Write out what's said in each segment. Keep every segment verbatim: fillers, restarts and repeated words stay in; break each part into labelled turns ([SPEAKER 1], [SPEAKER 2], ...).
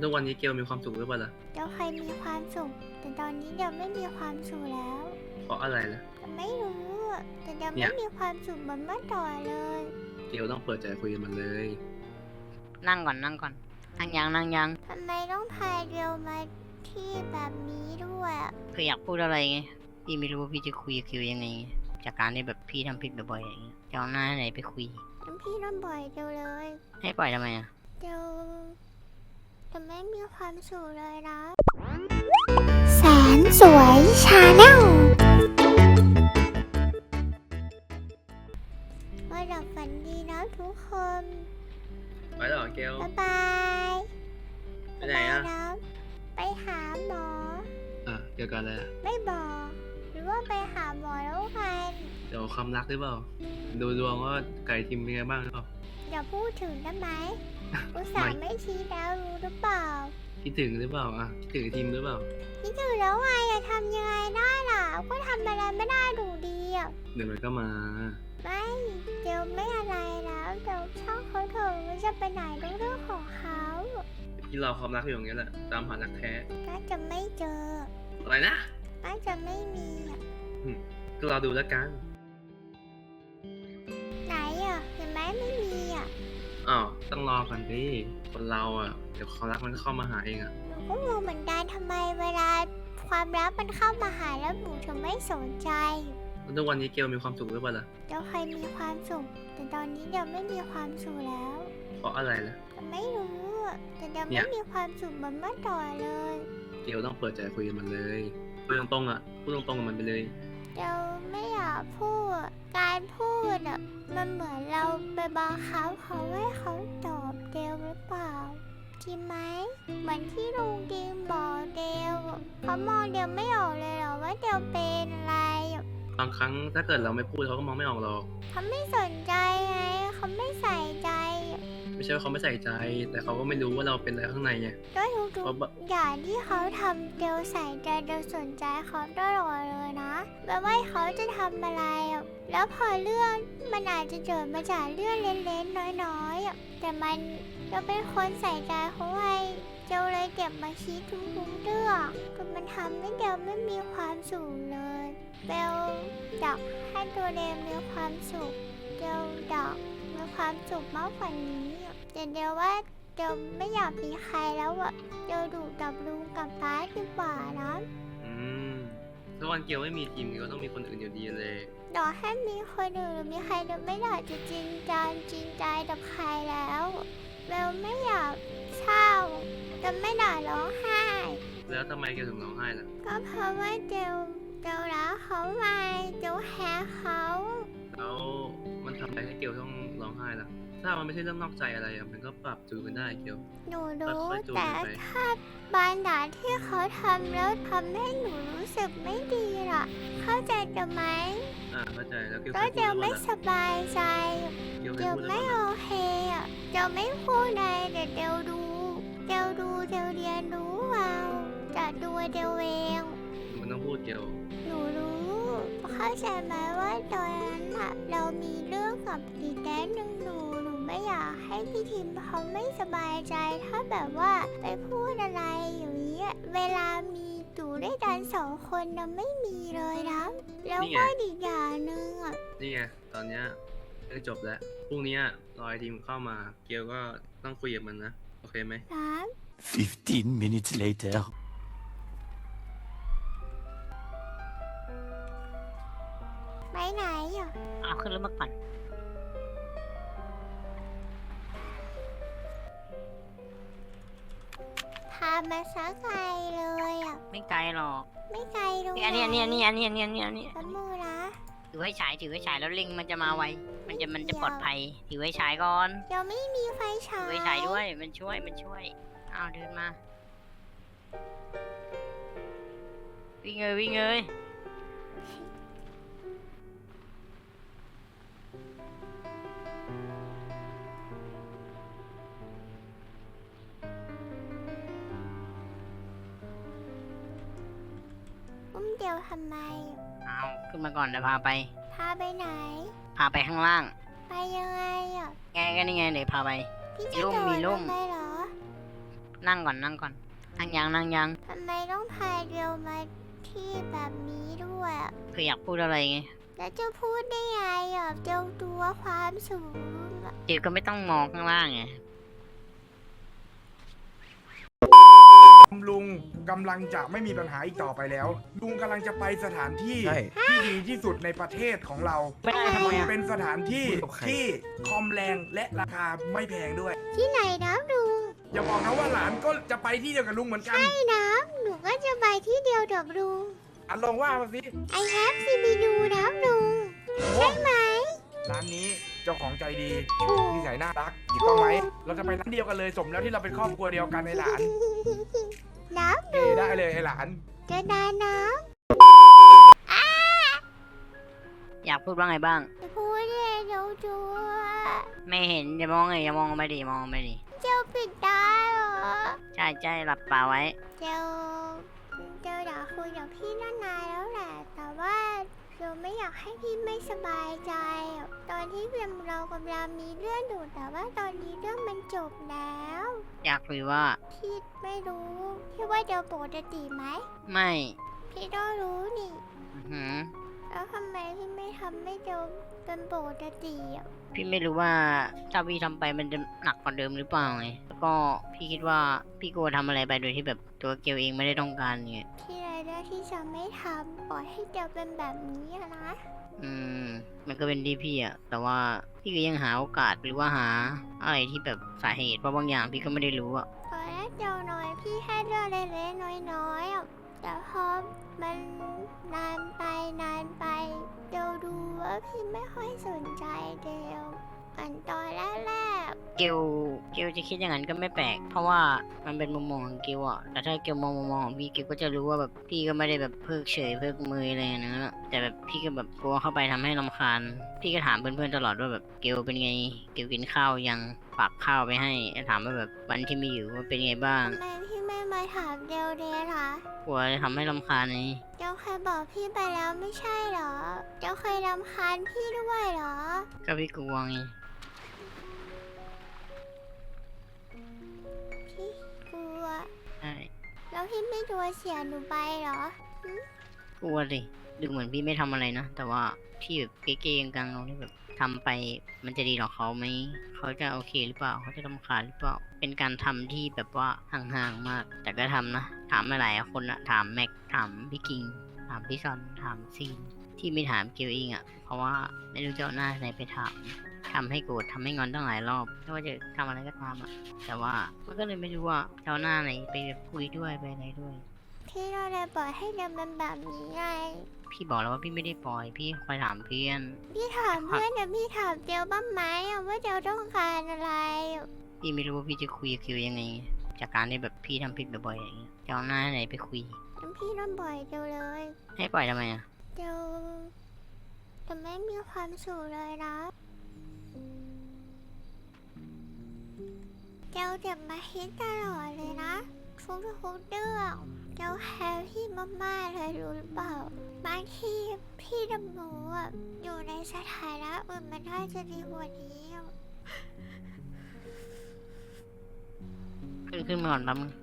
[SPEAKER 1] ทุกวันนี้เกลมีความสุขหรือเปล่าล่ะ
[SPEAKER 2] เดี๋ยวเคยมีความสุขแต่ตอนนี้เดี๋ยวไม่มีความสุขแล้ว
[SPEAKER 1] เพราะอะไรล่ะ
[SPEAKER 2] แต่ไม่รู้อะแต่เดี๋ยว
[SPEAKER 1] เนี่
[SPEAKER 2] ไม่
[SPEAKER 1] ย
[SPEAKER 2] มีความสุขเหมือนเมื่อก่อนเลย
[SPEAKER 1] เกลต้องเปิดใจคุยกับมันเลย
[SPEAKER 3] นั่งก่อนนั่งก่อนนั่งยังนั่งยัง
[SPEAKER 2] ทำไมต้องพาเดียวมาที่แบบนี้ด้วยอะ
[SPEAKER 3] คืออยากพูดอะไรไงพี่ไม่รู้ว่าพี่จะคุยกับคิวยังไงจากการที่แบบพี่ทำผิดบ่อยๆอย่างเงี้ยจะเอาหน้าไหนไปคุย
[SPEAKER 2] งั้นพี่ต้องปล่อยเดียวเลย
[SPEAKER 3] ให้ปล่อยทำไมอ่ะ
[SPEAKER 2] เดียวจะไม่มีความสุขเลยนะแสนสวยชาแนลมาดับฝันดีนะทุกคน
[SPEAKER 1] ไปแล้วเหรอเกล
[SPEAKER 2] บ๊ายบาย
[SPEAKER 1] ไปไหนอ่ะ
[SPEAKER 2] บ๊ายบายนะไปหาหมอ
[SPEAKER 1] อ่ะเกี่ยวกับอะไรอ่ะ
[SPEAKER 2] ไม่บอก หรือว่าไปหาหมอแล้วกัน
[SPEAKER 1] เดี๋ยวความรักหรือเปล่าดูดวงว่าไก่ทิมเป็นไงบ้างหรือเปล่า
[SPEAKER 2] อย่าพูดถึงได้ไหม อุตส่าห์ไม่ชี้แล้วรู้หรือเปล่า
[SPEAKER 1] คิดถึงหรือเปล่าอ่ะคิดถึงทิมหรือเปล่า
[SPEAKER 2] คิดถึงแล้วไงจะทำยังไงได้ล่ะ ก็ทำอะไรไม่ได้ดูดีอ่ะ
[SPEAKER 1] เดี๋ยวมันก็มา
[SPEAKER 2] ไม่เดี๋ยวไม่อะไรแล้วเดี๋ยวช่างเขาเถอะมันจะไปไหนก็เรื่องของเขา
[SPEAKER 1] พี่รอความรักอยู่อย่างเงี้ยแหละตามหารักแท้
[SPEAKER 2] น่าจะไม่เจอ
[SPEAKER 1] อะไรนะ
[SPEAKER 2] น่าจะไม่มีอ่ะ
[SPEAKER 1] ก็รอดูแล้วกัน
[SPEAKER 2] ไหนอ่ะเห็นไหมไม่มีอ่ะ
[SPEAKER 1] อ้าวต้องรอก่อนดิคนเราอ่ะเดี๋ยวความรักมันก็เข้ามาหาเองอ่ะ
[SPEAKER 2] หนูก็งงเหมือนกันทำไมเวลาความรักมันเข้ามาหาแล้วหนูถึงไม่สนใจ
[SPEAKER 1] แล้วทุกวันนี้เกลมีความสุขหรือเปล่าล่ะ
[SPEAKER 2] เดี๋ยวเคยมีความสุขแต่ตอนนี้เดี๋ยวไม่มีความสุขแล้ว
[SPEAKER 1] เพราะอะไรล่ะ
[SPEAKER 2] แต่ไม่รู้อะแต่เดี๋ยว
[SPEAKER 1] เนี่
[SPEAKER 2] ไม่
[SPEAKER 1] ย
[SPEAKER 2] มีความสุขเหมือนเมื่อก่อนเลย
[SPEAKER 1] เกลต้องเปิดใจคุยกับมันเลยพูดตรงๆอ่ะพูดตรงๆกับมันไปเลย
[SPEAKER 2] เดี๋ยวไม่อยากพูด การพูดอ่ะมันเหมือนเราไปบังคับเขาให้เขาตอบเดวหรือเปล่าจริงไหมเหมือนที่ลุงดิมบอกเดวเขามองเดวไม่ออกเลยเหรอว่าเดวเป็นอะไรอะ
[SPEAKER 1] บางครั้งถ้าเกิดเราไม่พูดเขาก็มองไม่ออกหรอก
[SPEAKER 2] เขาไม่สนใจไงเขาไม่ใส่ใจอะ
[SPEAKER 1] ไม่ใช่ว่าเขาไม่ใส่ใจ แต่เขาก็ไม่รู้ว่าเราเป็นอะไรข้างในไง
[SPEAKER 2] ก็ทุก
[SPEAKER 1] เพราะบะ
[SPEAKER 2] ๆอย่างที่เขาทำเดวใส่ใจเดวสนใจเขาตลอดเลยนะแบบว่าเขาจะทำอะไรอะแล้วพอเรื่องมันอาจจะเกิดมาจากเรื่องเล็กๆน้อยๆอะแต่มันจะเป็นคนใส่ใจเขาไงเดวเลยเก็บมาคิดทุกๆเรื่องจนมันทำให้เดวไม่มีความสุขเลยเดวอยากให้ตัวเดวมีความสุขเดวอยากมีความสุขมากกว่านี้อะแต่เดวว่า เดี๋ยวไม่อยากมีใครแล้วอะเดี๋ยวดูกับลุงกับป้าดีกว่านะ
[SPEAKER 1] อืมถ้าวันเกลไม่มีทีมเกลต้องมีคนอื่นอยู่ดีเลย
[SPEAKER 2] เดี๋ยวให้มีคนอื่นหรือมีใครเดี๋ยวไม่อยากจะจริงจังจริงใจกับใครแล้วเบลไม่อยากเศร้าจะไม่ด่าร้องไห้
[SPEAKER 1] แล้วทำไมเกลถึงร้องไห้ล่ะ
[SPEAKER 2] ก็เพราะว่าเดี๋ยวเดี๋ยวรักเขาไงเดี๋ยวแฮเขา
[SPEAKER 1] แล้วมันทำอะไรให้เกลต้องร้องไห้ล่ะ ถ้ามันไม่ใช่เรื่องนอกใจอะไรอะมันก็ปรับจูนกันได้เกล
[SPEAKER 2] หนูรู้
[SPEAKER 1] ค่อยๆจูน
[SPEAKER 2] แต่
[SPEAKER 1] กันไป
[SPEAKER 2] ถ้าบางอย่างที่เขาทำแล้วทำให้หนูรู้สึกไม่ดีล่ะ เข้าใจจะไหม
[SPEAKER 1] อ่าเข้าใจแล้วเกลเค
[SPEAKER 2] ก็
[SPEAKER 1] ยพูด
[SPEAKER 2] เดี๋ยว
[SPEAKER 1] หรือเป
[SPEAKER 2] ไม่
[SPEAKER 1] ล่าล่ะ
[SPEAKER 2] สบายใจ
[SPEAKER 1] เกลเคย
[SPEAKER 2] เดี๋ยว
[SPEAKER 1] พูดหรือเป
[SPEAKER 2] ไม่
[SPEAKER 1] ล่า
[SPEAKER 2] โอ
[SPEAKER 1] ล่ะ
[SPEAKER 2] เคอ่ะเดี๋ยวไม่พูดอะไรเดี๋ยวเดี๋ยวดูเดี๋ยวดูเดี๋ยวเรียนรู้เอาจะดูเดี๋ยวเอง
[SPEAKER 1] มันต้องพูดเกล
[SPEAKER 2] หนูรู้เข้าใจไหมว่าตอนนั้นอะเรามีเรื่องกับอีกแดนหนึ่งหนูหนูไม่อยากให้พี่ทิมเขาไม่สบายใจถ้าแบบว่าไปพูดอะไรอย่างนี้อะเวลามีอยู่ด้วยกันสองคนนะไม่มีเลยนะแล้วก็อีกอย่างหนึ่งอะ
[SPEAKER 1] นี่ไงตอนเนี้ยเรื่องจบแล้วพรุ่งนี้รอไอทีมเข้ามา เกลก็ต้องคุยกับมันนะ โอเคไหม
[SPEAKER 2] นะ
[SPEAKER 4] Fifteen minutes later.
[SPEAKER 2] ไปไหนอ่ะ
[SPEAKER 3] เอาขึ้นรถมาก่อน
[SPEAKER 2] พามาสักไกลเลยอ่ะ
[SPEAKER 3] ไม่ไกลหรอก
[SPEAKER 2] ไม่ไกลตรง
[SPEAKER 3] นี่อันนี้อันนี้อันนี้อันนี้อันนี้อันนี้อันนี้
[SPEAKER 2] แป๊บมือนะ
[SPEAKER 3] ถือไว้ฉายถือไว้ฉายแล้วลิงมันจะมาไวมันจะมันจะปลอดภัยถือไว้ฉายก่อน
[SPEAKER 2] เดี๋ยวไม่มีไฟฉา
[SPEAKER 3] ถื
[SPEAKER 2] ย
[SPEAKER 3] อไว้ฉายด้วยมันช่วยมันช่วยอ้าวเดินมาวิ่งเลยวิ่งเลย
[SPEAKER 2] อุ้มเดี๋ยวทำไม
[SPEAKER 3] เอาขึ้นมาก่อนเดี๋ยวพาไป
[SPEAKER 2] พาไปไหน
[SPEAKER 3] พาไปข้างล่าง
[SPEAKER 2] ไปยังไงอ่ะ
[SPEAKER 3] ไงก็นี่ไงเดี๋ยวพาไป
[SPEAKER 2] พี่
[SPEAKER 3] มี
[SPEAKER 2] จะ
[SPEAKER 3] ร่ม
[SPEAKER 2] โด
[SPEAKER 3] มี
[SPEAKER 2] ด
[SPEAKER 3] ร่
[SPEAKER 2] ล
[SPEAKER 3] ม
[SPEAKER 2] งไปเหรอ
[SPEAKER 3] นั่งก่อนนั่งก่อนนั่งยังนั่งยัง
[SPEAKER 2] ทำไมต้องพาเดียวมาที่แบบนี้ด้วยอะ
[SPEAKER 3] คืออยากพูดอะไรไง
[SPEAKER 2] แล้วจะพูดได้ไงอ่ะเจ้าตัวความสูงอะ
[SPEAKER 3] เกียวก็ไม่ต้องมองข้างล่างไง
[SPEAKER 5] ลุงกำลังจะไม่มีปัญหาอีกต่อไปแล้ว ลุงกำลังจะไปสถานที่
[SPEAKER 6] ใช่
[SPEAKER 5] ที่ดีที่สุดในประเทศของเรา
[SPEAKER 3] ไม่ได้ทำไมอะ
[SPEAKER 5] เป็นสถานที่
[SPEAKER 6] คุยกับใคร
[SPEAKER 5] ที่คอมแรงและราคาไม่แพงด้วย
[SPEAKER 2] ที่ไหนนะลุง
[SPEAKER 5] อย่าบอกนะว่าหลานก็จะไปที่เดียวกับลุงเหมือนกัน
[SPEAKER 2] ใช่นะหนูก็จะไปที่เดียวกับลุง
[SPEAKER 5] อ่ะลองว่ามาสิ
[SPEAKER 2] ไอแฮปซีบีดูนะลุง ใช่ไหม
[SPEAKER 5] ร้านนี้เจ้าของใจดี
[SPEAKER 2] ถูก
[SPEAKER 5] นิสัยน่ารักถูกต้องไหมเราจะไปร้านเดียวกันเลยสมแล้วที่เราเป็นครอบครัวเดียวกันในหลาน
[SPEAKER 2] น้
[SPEAKER 5] เอได้เลยไอหลาน
[SPEAKER 2] ำจะนานน้
[SPEAKER 3] อยากพูดว่าไงบ้าง
[SPEAKER 2] ำจะพูดเองเจ้าตัว
[SPEAKER 3] ไม่เห็นอย่ามองไงอย่ามองไม่ดีมองไม่ดี
[SPEAKER 2] เจ้าปิดตาเหรอ
[SPEAKER 3] ใช่ใช่หลับตาไว้
[SPEAKER 2] เจ้าเจ้าอยากคุยกับพี่ตั้งนานแล้วแหละ แต่ว่าเราไม่อยากให้พี่ไม่สบายใจอะตอนที่เรากำลังมีเรื่องอยู่แต่ว่าตอนนี้เรื่องมันจบแล้ว
[SPEAKER 3] อยากคุยว่า
[SPEAKER 2] พี่ไม่รู้พี่ว่าเจ้าปกติไหม
[SPEAKER 3] ไม่
[SPEAKER 2] พี่ต้องรู้นี่
[SPEAKER 3] อื้อหือ
[SPEAKER 2] แล้วทำไมพี่ไม่ทำให้เจ้าเป็นปกติอ่ะ
[SPEAKER 3] พี่ไม่รู้ว่าถ้าพี่ทำไปมันจะหนักกว่าเดิมหรือเปล่าไงแล้วก็พี่คิดว่าพี่กลัวทำอะไรไปโดยที่แบบตัวเกลเองไม่ได้ต้องการไง
[SPEAKER 2] พี่เลยเลือกที่จะไม่ทำปล่อยให้เจ้าเป็นแบบนี้อะนะ
[SPEAKER 3] อืม มันก็เป็นที่พี่อะแต่ว่าพี่ก็ยังหาโอกาสหรือว่าหาอะไรที่แบบสาเหตุเพราะบางอย่างพี่ก็ไม่ได้รู้อะ
[SPEAKER 2] ตอนแรกเจ้าน้อยพี่แค่เรื่องเล็กๆน้อยๆอ่ะแต่พอมันนานไปนานไปเจ้าดูว่าพี่ไม่ค่อยสนใจเดียวอันตอนแรก
[SPEAKER 3] เกลเกลจะคิดอย่างนั้นก็ไม่แปลก เพราะว่ามันเป็นมุมมองของเกลอะแต่ถ้าเกลมองมุมมองของพี่เกลก็จะรู้ว่าแบบพี่ก็ไม่ได้แบบเพิกเฉยเพิกมืออะไรอย่างนั้นอะแต่แบบพี่ก็แบบกลัวเข้าไปทำให้รำคาญ พี่ก็ถามเพื่อนๆตลอดว่าแบบเกลเป็นไง เกลกินข้าวยังฝากข้าวไปให้ถามว่าแบบวันที่มีอยู่ว่าเป็นไงบ้า
[SPEAKER 2] ๆ
[SPEAKER 3] ง
[SPEAKER 2] ทำไมพี่ไม่มาถามเดียวเดียล่ะ
[SPEAKER 3] กลัวจะทำให้รำคาญไง
[SPEAKER 2] เจ้าเคยบอกพี่ไปแล้วไม่ใช่เหรอ เจ้าเคยรำคาญพี่ด้วยเหรอ
[SPEAKER 3] ก็พี่กลัวไง
[SPEAKER 2] พี่กลัว
[SPEAKER 3] ใช่
[SPEAKER 2] แล้วพี่ไม่กลัวเสียหนูไปเหรอ
[SPEAKER 3] กลัวสิดูเหมือนพี่ไม่ทำอะไรนะ แต่ว่าพี่แบบเก๊ๆกังๆเราที่แบบทำไปมันจะดีต่อเขาไหม เขาจะโอเคหรือเปล่า เขาจะรำคาญหรือเปล่า เป็นการทำที่แบบว่าห่างๆมาก แต่ก็ทำนะ ถามมาหลายคนอะถามแม็ก ถามพี่กิง ถามพี่ซอน ถามซีน ที่ไม่ถามเกลเองอะเพราะว่าไม่รู้จะเอาหน้าไหนไปถามทำให้โกรธทำให้งอนตั้งหลายรอบไม่ว่าจะทำอะไรก็ตามอะแต่ว่ามันก็เลยไม่รู้ว่าจะเอาหน้าไหนไปคุยด้วยไปอะไรด้วย
[SPEAKER 2] พี่เราเลยปล่อยให้เดินเป็นแบบนี้ไง
[SPEAKER 3] พี่บอกแล้วว่าพี่ไม่ได้ปล่อย พี่คอยถามเพื่อน
[SPEAKER 2] พี่ถามเพื่อนแต่พี่ถามเจียวบ้างไหมอะว่าเจียวต้องการอะไรอะ
[SPEAKER 3] พี่ไม่รู้ว่าพี่จะคุยกับคิวยังไง จากการที่แบบพี่ทำผิดบ่อยๆอย่างเงี้ยจะเอาหน้าไหนไปคุย
[SPEAKER 2] งั้นพี่ต้องปล่อยเจียวเลย
[SPEAKER 3] ให้ปล่อยทำไมอะ
[SPEAKER 2] เจียวจะไม่มีความสุขเลยนะเจียวเจ็บมาฮิตตลอดเลยนะทุกทุกๆเรื่องเจียวแคร์พี่มากๆเลยรู้หรือเปล่าบางทีพี่ดำหนูอะอยู่ในสถานะอื่นมันน่าจะดีกว่านี้อะ
[SPEAKER 3] ขึ้นขึ้นมาก่อนแป๊บนึง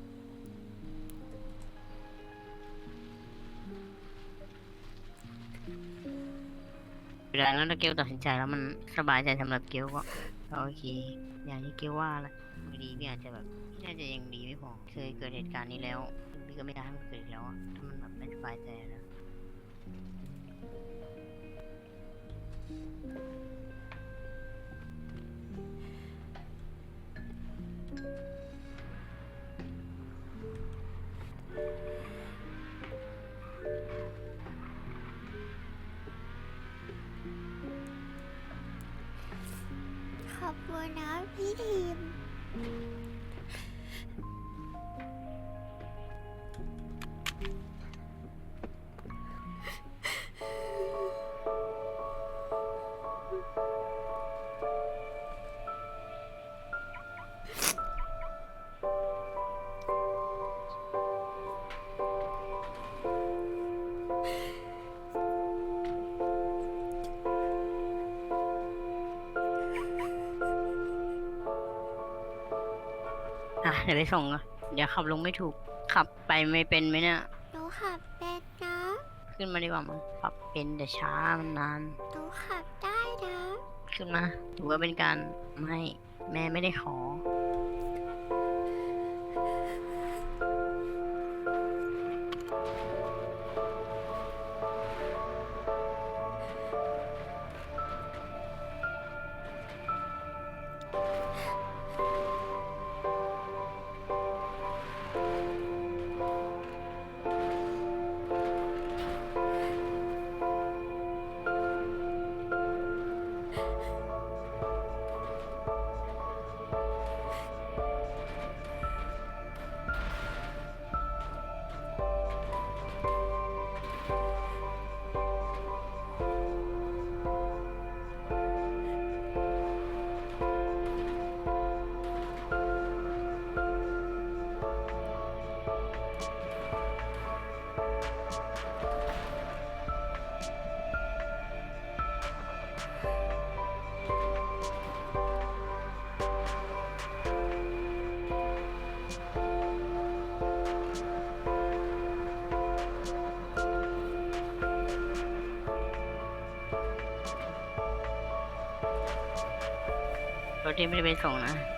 [SPEAKER 3] เวลาแล้วถ้าเกลตัดสินใจแล้วมันสบายใจสำหรับเกลก็ก็โอเค อย่างที่เกลว่าแหละบางทีพี่อาจจะแบบพี่น่าจะยังดีไม่พอ เคยเกิดเหตุการณ์นี้แล้วพี่ก็ไม่ได้ให้มันเกิดอีกแล้วอะถ้ามันแบบไม่สบายใจแล้ว
[SPEAKER 2] ขอบคุณนะพี่ทีม
[SPEAKER 3] เดี๋ยวไปส่งอะเดี๋ยวขับลงไม่ถูก ขับไปไม่เป็นไหมเนี่ย
[SPEAKER 2] หนูขับเป็นนะ
[SPEAKER 3] ขึ้นมาดีกว่ามั้งขับเป็นแต่ช้ามันนาน
[SPEAKER 2] หนูขับได้นะ
[SPEAKER 3] ขึ้นมาถือว่าเป็นการไม่แม่ไม่ได้ขอ รถที่ไม่ได้ไปส่งนะ